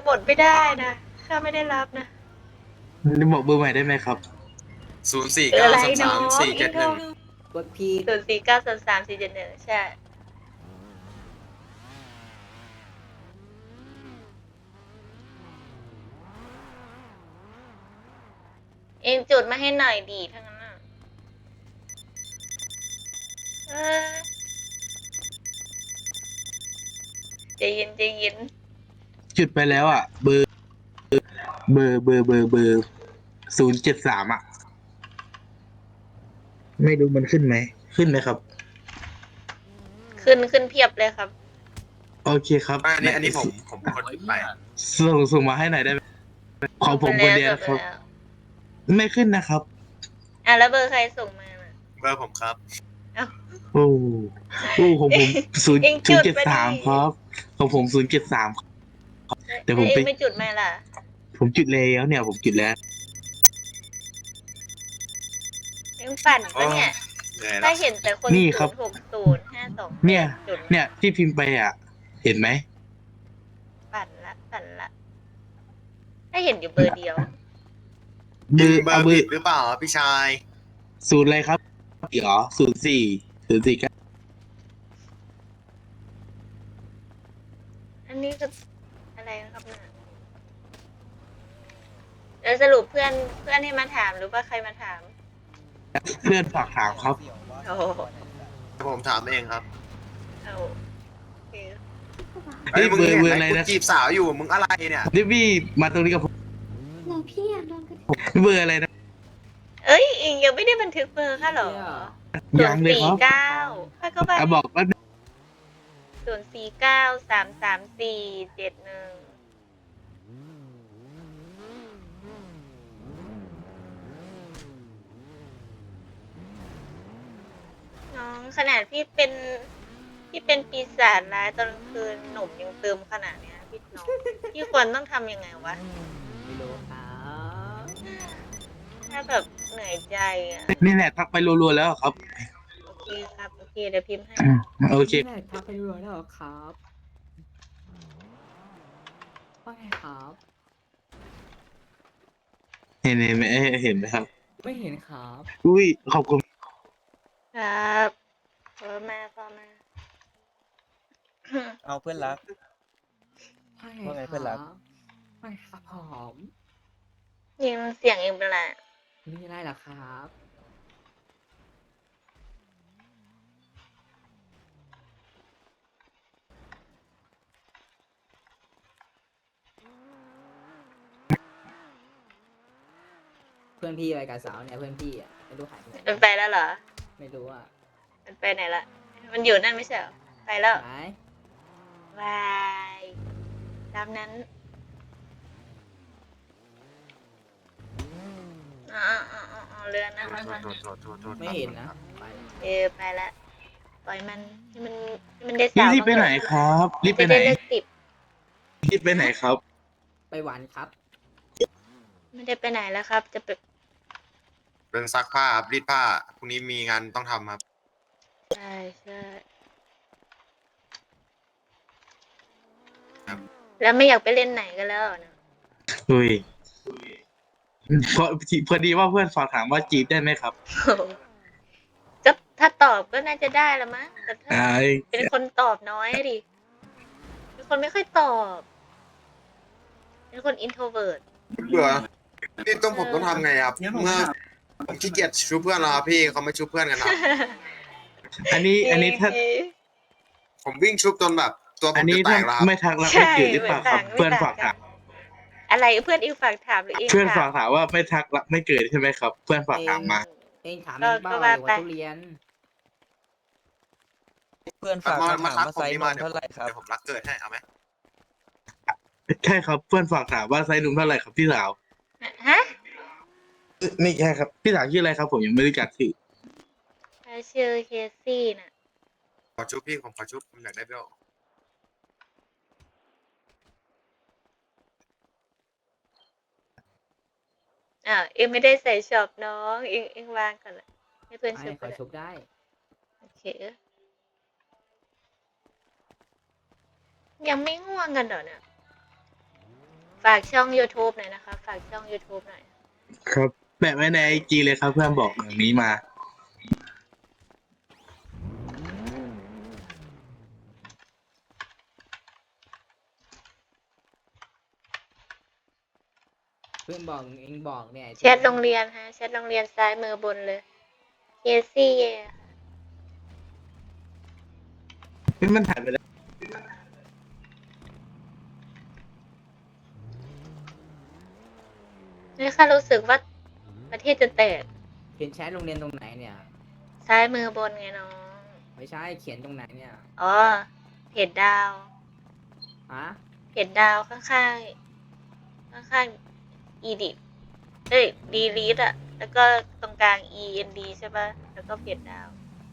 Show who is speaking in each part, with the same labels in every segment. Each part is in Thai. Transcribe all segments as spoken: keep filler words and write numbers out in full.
Speaker 1: หมดไม่ได้นะข้าไม่ได้รับนะ
Speaker 2: นี่บอกเบอร์ใหม่ได้ไหมครับ
Speaker 3: ศูนย์สี่
Speaker 1: คืออะไร
Speaker 3: เก้าสามสา
Speaker 1: น้อ
Speaker 3: ม
Speaker 1: ง
Speaker 3: สี่
Speaker 1: อิงโทร
Speaker 3: เจ็ดหนึ่ง
Speaker 4: กดพี
Speaker 1: ศูนย์สี่เก้าสามสามสี่เจ็ดหนึ่งใช่เองจุดมาให้หน่อยดีทั้งนั้นน่ะเออใจเย็นใจเย็น
Speaker 2: จุดไปแล้วอ่ะ เบอร์เบอร์เบอร์เบอร์เบอร์ศูนย์เจ็ดสามอ่ะ ไม่รู้มันขึ้นไหม ขึ้นไหมครับ
Speaker 1: ขึ้นขึ้นเพียบเลยครับ
Speaker 2: โอเคครับ
Speaker 3: อันนี้อันนี้ผมผมเป็นคนไป
Speaker 2: ส่งส่งมาให้หน่อยได้ไหมของผมคนเดียวครับ
Speaker 1: แล้ว
Speaker 2: ไม่ขึ้นนะครับ
Speaker 1: อ่ะแล้วเบอร์ใครส่งมาน่ะ
Speaker 3: เบอร์ผมครับ
Speaker 1: เอ้า
Speaker 2: โอ้โอ้ของผมศูนย์
Speaker 1: เองจุ
Speaker 2: ศูน
Speaker 1: ด
Speaker 2: ย์เจ็ด
Speaker 1: มา
Speaker 2: สาม
Speaker 1: ดิ
Speaker 2: ครับ ของผมศูนย์เจ็ดสาม เดี๋ยวผม
Speaker 1: เอ
Speaker 2: ไป
Speaker 1: งไม่จุดมาล่ะ
Speaker 2: ผมจุดแล้วเนี่ย ผมจุดแล้ว
Speaker 1: เองปั่นปะเนี่ย
Speaker 3: เหนื่อย
Speaker 1: ถ้า
Speaker 3: ละ
Speaker 1: เห็นแต่คน
Speaker 2: นี่
Speaker 1: ศู
Speaker 2: ครับ
Speaker 1: นย์หกศูนย์ห้าสอง
Speaker 2: เนี่ย
Speaker 1: จุด
Speaker 2: เนี่ยที่พิมพ์ไปอ่ะ เห็นไหม
Speaker 1: ปั่นละปั่นละถ้าเห็นอยู่เบอร์เดียว
Speaker 2: เบ
Speaker 3: ยิ
Speaker 2: อง ร์
Speaker 3: เบอ
Speaker 2: เอา
Speaker 3: ร์
Speaker 2: เบอ
Speaker 3: ผิด
Speaker 2: ร์
Speaker 3: หรือเปล่าพี่ชาย
Speaker 2: ศูนย์อะไรครับเหรอศูนย์สี่ศูนย์สี่เก้า
Speaker 1: อันนี้คืออะไรนะครับเนี่ยแล้วสรุปเพื่อนเพื่อนให้มาถามหรือว่าใครมาถาม
Speaker 2: เพื่อนฝากถามครับ
Speaker 1: โอ้โห
Speaker 3: ผมถามเองครับ
Speaker 1: เอาโอเค
Speaker 3: ไอ้ยมึง
Speaker 2: เบอร์
Speaker 3: เห็น
Speaker 2: เบอร์
Speaker 3: ไห
Speaker 2: อะไร
Speaker 3: มกู
Speaker 2: นะ
Speaker 3: จีบสาวอยู่มึงอะไรเนี่ย
Speaker 2: นี่พี่มาตรงนี้กับผม
Speaker 5: หนูพี่อยากโดนกระ
Speaker 2: เบอร์อะไรนะ
Speaker 1: เอ้ยอิงยังไม่ได้บันทึกเบอร์ค่ะเหรอ
Speaker 2: ยังเลยครับ
Speaker 1: ศูนเก้าค่ะก็ไป
Speaker 2: อ่ะบอกว่า
Speaker 1: ศูนย์สี่เก้าสามสามสี่เจ็ดหนึ่งน้องขนาดพี่เป็นพี่เป็นปีศาจร้ายตอนกลางคืนหนุ่มยังเติมขนาดเนี้ยพี่น้อง พี่ควรต้องทำยังไงวะ
Speaker 4: ไม่รู้ครับ
Speaker 1: ถ้าแบบเหนื่อยใจอ่ะ
Speaker 2: นี่แหละทักไปรัวๆแล้วครับ
Speaker 1: โอเคครับ โอเค เดี๋ยวพิมพ์ให้
Speaker 2: โอเค
Speaker 4: นี่แหละทักไปรัวแล้วเหรอครับว่าไงครับ
Speaker 2: เห็นเห็นไหมเห็นไหมครับ
Speaker 4: ไม่เห็นครับ
Speaker 2: อุ้ยขอบคุณ
Speaker 1: ครับพอมาพอมา
Speaker 6: เอาเพื่อนรัก
Speaker 4: ว่า
Speaker 6: ว่าไง
Speaker 4: ไง
Speaker 6: เพื่อนรัก
Speaker 4: ครับไม่ครับผม
Speaker 1: ยิงเสียงเองเป็นไร
Speaker 4: มีอะไรเหรอครับ เพื่อนพี่อะไรกับสาวเนี่ยเพื่อนพี่อ่ะไม่รู้หายไปไหน
Speaker 1: มันไปแล้วเหรอ
Speaker 4: ไม่รู้อ่ะ
Speaker 1: มันไปไหนละ มันอยู่นั่นไม่ใช่เหรอ ไปแล้ว
Speaker 4: ไหน
Speaker 1: บายตามนั้นอ๋ออ๋ออ๋ออ๋อเรือนั่น
Speaker 3: โท
Speaker 1: นะ
Speaker 3: ษโทษโทษโทษโทษ
Speaker 4: ไม่เห็นนะไปแล้ว
Speaker 1: เออไปละปล่อยมันให้มันให้มันได้
Speaker 2: รี
Speaker 1: สาว
Speaker 2: บรีบไปไหนครับ รีบไปไหน
Speaker 1: จะด้เลิกติด
Speaker 2: รีบไปไหนครับ
Speaker 4: ไปหวานครับ
Speaker 1: ไม่ได้ไปไหนแล้วครับ จะไป
Speaker 3: เป็นซักผ้าครับรีดผ้าพรุ่งนี้มีงานต้องทำครับ
Speaker 1: ใช่ใช่
Speaker 3: ครับ
Speaker 1: แล้วไม่อยากไปเล่นไหนกันแล้วนะ
Speaker 2: อุ้ยพอพอดีว่าเพื่อนฝากถามว่าจีบได้ไหมครับ
Speaker 1: ก็ถ้าตอบก็น่าจะได้ละมั้งแต่ถ้า
Speaker 2: อ่า
Speaker 1: เป็นคนตอบน้อยอะดิเป็นคนไม่ค่อยตอบ เป็นคนอินโทรเวิร์ด
Speaker 3: เบื่อนี่ต้องผมต้องทำไงครับเมื่อผมขี้เกียจชุบเพื่อนแล้วครับพี่เขาไม่ชุบเพื่อนกันครับ
Speaker 2: อันนี้อันนี้ถ้า
Speaker 3: ผมวิ่งชุบจนแบบ ตัวผ
Speaker 2: อัน
Speaker 3: ม
Speaker 2: นี้
Speaker 3: จะแต
Speaker 2: ถ้าก
Speaker 3: แล้วครับ
Speaker 2: ไม่ทักรัก
Speaker 1: ใช่
Speaker 2: ไม่จืดหรือเปล่าครับ
Speaker 1: เหมื
Speaker 2: เพื่
Speaker 1: อ
Speaker 2: อน น
Speaker 1: ต่าง
Speaker 2: ฝากถาม
Speaker 1: อะไรเพื่อนอิงฝากถามหรืออิง
Speaker 2: เพื่อน
Speaker 1: ถา
Speaker 2: ฝาม กถามว่าไม่ทักรักไม่เกิดใช่ไหมครับ เพื่อนฝากถามมา
Speaker 4: เองถาม
Speaker 1: ก็
Speaker 4: เองเบ้า
Speaker 1: ก็
Speaker 4: อะไร
Speaker 1: ว่า
Speaker 4: ว่า
Speaker 1: ไป
Speaker 4: ทุเรียน
Speaker 6: เพื่อนฝาก
Speaker 3: มา
Speaker 6: คำ
Speaker 3: มา
Speaker 6: ถาม
Speaker 3: ทัก
Speaker 6: มา
Speaker 3: ผม
Speaker 6: ไซส์
Speaker 3: นี่
Speaker 6: น
Speaker 3: มาม เดี๋ยว
Speaker 6: เท่าไหร่ครับ
Speaker 3: เดี๋ยวผมรักเกิดให้เอาไหม
Speaker 2: ใช่ครับ เพื่อนฝากถามว่าไซส์หนุ่มเท่าไหร่ครับพี่สาว
Speaker 1: ฮะ
Speaker 2: นี่ใช่ครับ พี่สาวชื่ออะไรครับ ผมยังไม่รู้จักชื่อ
Speaker 1: ชื่อเคซี่น่ะ
Speaker 3: ขอชุบพี่ผมขอชุบผมอยากได้เบล
Speaker 1: อ่าวเอ็งไม่ได้ใส่ช็อปน้องเอ็งเอ็งวางก่อนละให้เพื่อน
Speaker 4: ไอ้
Speaker 1: ชุบ
Speaker 4: ข
Speaker 1: ก็
Speaker 4: อ
Speaker 1: ได้
Speaker 4: ชุบได้
Speaker 1: โอเค ยังไม่ง่วงกันเหรอเนี่ยฝากช่อง YouTube หน่อยนะคะ ฝากช่อง YouTube หน่อย
Speaker 2: ครับแปะไว้ในไอจีเลยครับเพื่อนบอกอย่างนี้มา
Speaker 4: เพื่อนบอกเองบอกเนี่ย
Speaker 1: แชทโรงเรียนฮะแชทโรงเรียนซ้ายมือบนเลยเคซี่
Speaker 2: นี่มันถ่ายไปแล้ว
Speaker 1: นี่ค่ะรู้สึกว่าประเทศจะแตก
Speaker 4: เขียนแชทโรงเรียนตรงไหนเนี่ย
Speaker 1: ซ้ายมือบนไงน้อง
Speaker 4: ไม่ใช่เขียนตรงไหนเนี่ย
Speaker 1: อ๋อ เพจดาว
Speaker 4: ฮะ
Speaker 1: เพจดาวข้างๆ ข้างๆ อีดิเอ้ยดีลีดอะแล้วก็ตรงกลาง e n d ใช่ป่ะ แล้วก็เพจดาว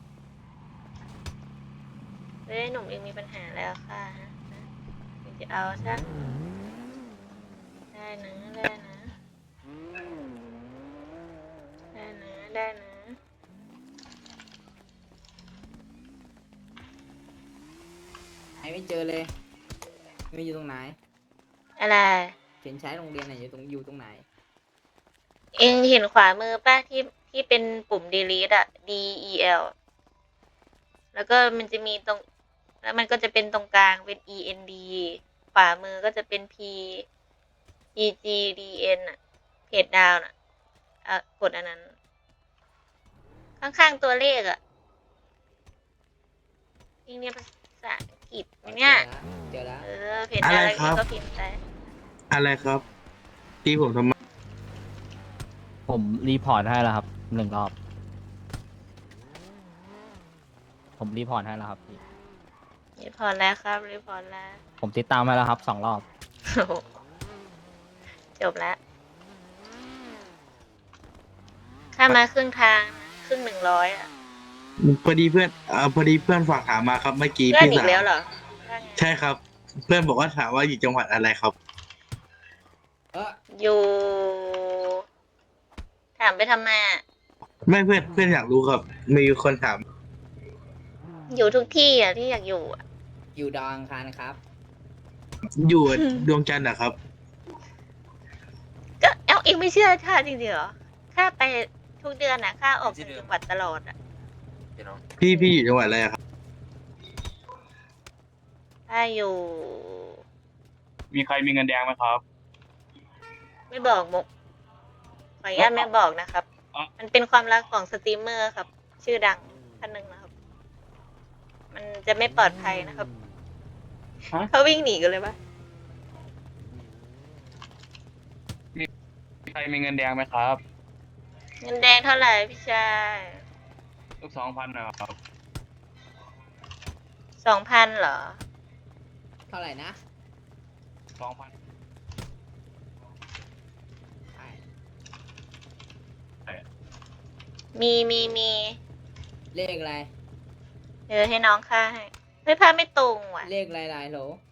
Speaker 1: เฮ้ยหนุ่มเองมีปัญหาแล้วค่ะฮะจะเอาใช่ได้นะได้นะได้นะได้นะ
Speaker 4: ไอไม่เจอเลย ไม่อยู่ตรงไหน
Speaker 1: อะไร
Speaker 4: เขียนแชทโรงเรียนไหนอยู่ตรงอยู่ตรงไหน
Speaker 1: เองเห็นขวามือป่ะที่ที่เป็นปุ่ม delete อะ D E L แล้วก็มันจะมีตรง แล้วมันก็จะเป็นตรงกลางเป็น E N D ขวามือก็จะเป็น P P G D N อะเพจดาวน่ะอ่ะกดอันนั้น ข้างๆตัวเลขอะนี่เนี่ยภาษาอังกฤษไหมเนี่ย
Speaker 4: เจอแล้ว
Speaker 1: เออเพจดาวแล้วก็พิมพ์ไป
Speaker 2: อะไรครับที่ผมทำไม
Speaker 6: ผมรีพอร์ตให้แล้วครับหนึ่งรอบ ผมรีพอร์ตให้แล้วครับพี่
Speaker 1: รีพอร์ตแล้วครับรีพอร์ตแล้ว
Speaker 6: ผมติดตามให้แล้วครับสองรอบ
Speaker 1: โอ้โหจบแล้วข้ามาครึ่งทางนะครึ่งหนึ่งร้อยอ่ะ
Speaker 2: พอดีเพื่อนเอ่อพอดีเพื่อนฝากถามมาครับเมื่อกี้
Speaker 1: เพื่อน
Speaker 2: พี่
Speaker 1: อี
Speaker 2: สาก ว
Speaker 1: แล้วเหรอว่าไง
Speaker 2: ใช่ครับ เพื่อนบอกว่าถามว่าอยู่จังหวัดอะไรครับ
Speaker 4: เออ
Speaker 1: อยู่ ถามไปทำไมอะ
Speaker 2: ไม่เพื่อนเพื่อนอยากรู้ครับ มีคนถาม
Speaker 1: อยู่ทุกที่อ่ะที่อยากอยู่อะ
Speaker 4: อยู่ดาวอังคารครับ
Speaker 2: อยู่ดวงจันทร์นะครับ
Speaker 1: ก็เอ้าเองไม่เชื่อข้าจริงๆเหรอข้าไปทุกเดือนอ่ะข้าออกจากจังหวัดตลอดอ่ะ
Speaker 2: พี่พี่อยู่จังหวัดอะไรอะครับ
Speaker 1: ข้าอยู่
Speaker 7: มีใครมีเงินแดงไหมครับ
Speaker 1: ไม่บอกมุกขออนุญาตไม่บอกนะครับ
Speaker 7: อ๋อ
Speaker 1: มันเป็นความลับของสตรีมเมอร์ครับ ชื่อดังท่านหนึ่งนะครับ มันจะไม่ปลอดภัยนะครับ
Speaker 7: ฮะ
Speaker 1: เขาวิ่งหนีกันเลยปะ
Speaker 7: มีใครมีเงินแดงไหมครับ
Speaker 1: เงินแดงเท่าไหร่พี่ชาย
Speaker 7: ลูกสองพันนะครับ
Speaker 1: สองพันเหรอ
Speaker 4: เท่าไหร่นะ
Speaker 7: สองพัน
Speaker 4: ใช่
Speaker 1: มีมีมี
Speaker 4: เลขอะไร
Speaker 1: เดี๋ยวให้น้องค่าให้เฮ้ยภาพไม่ตรงว่ะ
Speaker 4: เลขอะไรลายโหล